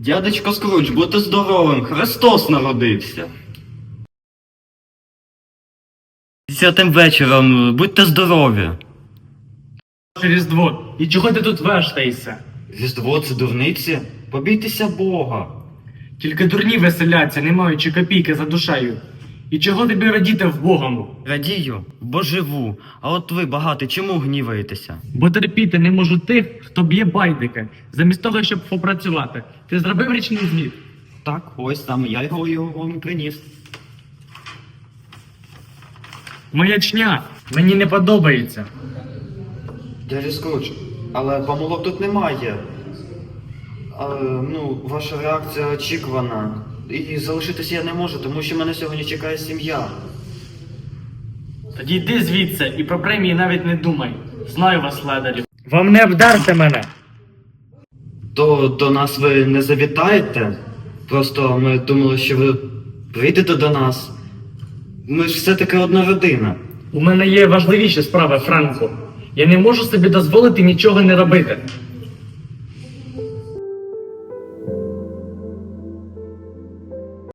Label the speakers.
Speaker 1: Дядечко Скрудж, будьте здоровим, Христос народився. 10 вечором, будьте здорові.
Speaker 2: Різдво. І чого ти тут вештаєшся?
Speaker 1: Різдво це дурниці? Побійтеся Бога.
Speaker 2: Тільки дурні веселяться, не маючи копійки за душею. І чого тобі радіти в Богому?
Speaker 1: Радію, бо живу. А от ви, багатий, чому гніваєтеся?
Speaker 2: Бо терпіти не можу тих, хто б'є байдики, замість того, щоб попрацювати. Ти зробив річний звіт?
Speaker 1: Так, ось саме я його вам приніс.
Speaker 2: Маячня! Мені не подобається.
Speaker 1: Дядя Скрудж, але помилок тут немає. Ваша реакція очікувана. І залишитися я не можу, тому що мене сьогодні чекає сім'я.
Speaker 2: Тоді йди звідси і про премії навіть не думай. Знаю вас, ледарів. Вам не обдарте мене!
Speaker 1: То до нас ви не завітаєте? Просто ми думали, що ви прийдете до нас. Ми ж все-таки одна родина.
Speaker 2: У мене є важливіші справи, Франко. Я не можу собі дозволити нічого не робити.